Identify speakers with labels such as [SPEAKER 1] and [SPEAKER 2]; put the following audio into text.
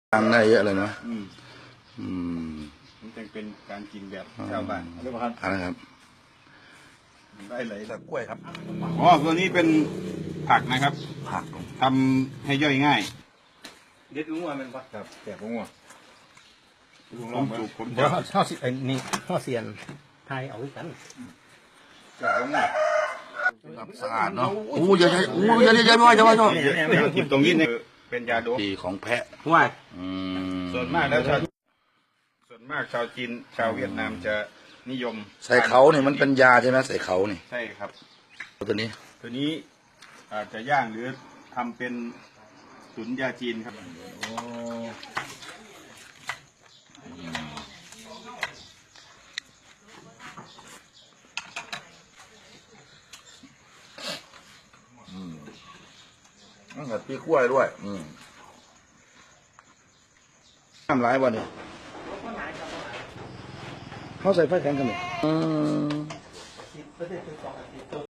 [SPEAKER 1] ทำได้เยอะเลยเนาะ
[SPEAKER 2] มันจึงเป็นการกินแบบชาวบ้านเรียกว่า
[SPEAKER 1] อะไรครับ
[SPEAKER 2] ได้เลย
[SPEAKER 1] กล้วยครับ
[SPEAKER 2] อ๋อตัวนี้เป็นผักนะครับ
[SPEAKER 1] ผัก
[SPEAKER 2] ทำให้ย่อยง่าย
[SPEAKER 3] เด็ดลุงว่ามันปะ
[SPEAKER 2] ครับแกะลุงว่าลุงล
[SPEAKER 3] ผ
[SPEAKER 2] อง
[SPEAKER 3] ม
[SPEAKER 2] จูบผม
[SPEAKER 3] เดี๋ย
[SPEAKER 2] จะ
[SPEAKER 3] วเข้าสิไอ้นี่เข้าเสียนไทยเอาไว้กัน
[SPEAKER 2] แกะลุงว่า
[SPEAKER 1] สะอาดเนาะโอ้ยใหญ่โอ้ยใหญ่ไม่ว่าจะว่าชอบ
[SPEAKER 2] กินตรงนี้เนี่ยเป็นยาโดป
[SPEAKER 1] ดีของแพะ
[SPEAKER 3] ว่า
[SPEAKER 2] ส่วนมากแล้วส่วนมากชาวจีนชาวเวียดนามจะนิยม
[SPEAKER 1] ใส่เขาเนี่ยมันเป็นยาใช่ไหมใส่เขานี่
[SPEAKER 2] ใช่ครับ
[SPEAKER 1] ตัวนี้
[SPEAKER 2] ตัวนี้อาจจะย่างหรือทำเป็นตุ๋นยาจีนครับ
[SPEAKER 1] กับพี่กล้วยด้วยทำร้ายวันนี้เขาใส่ไฟแข็งกันเลย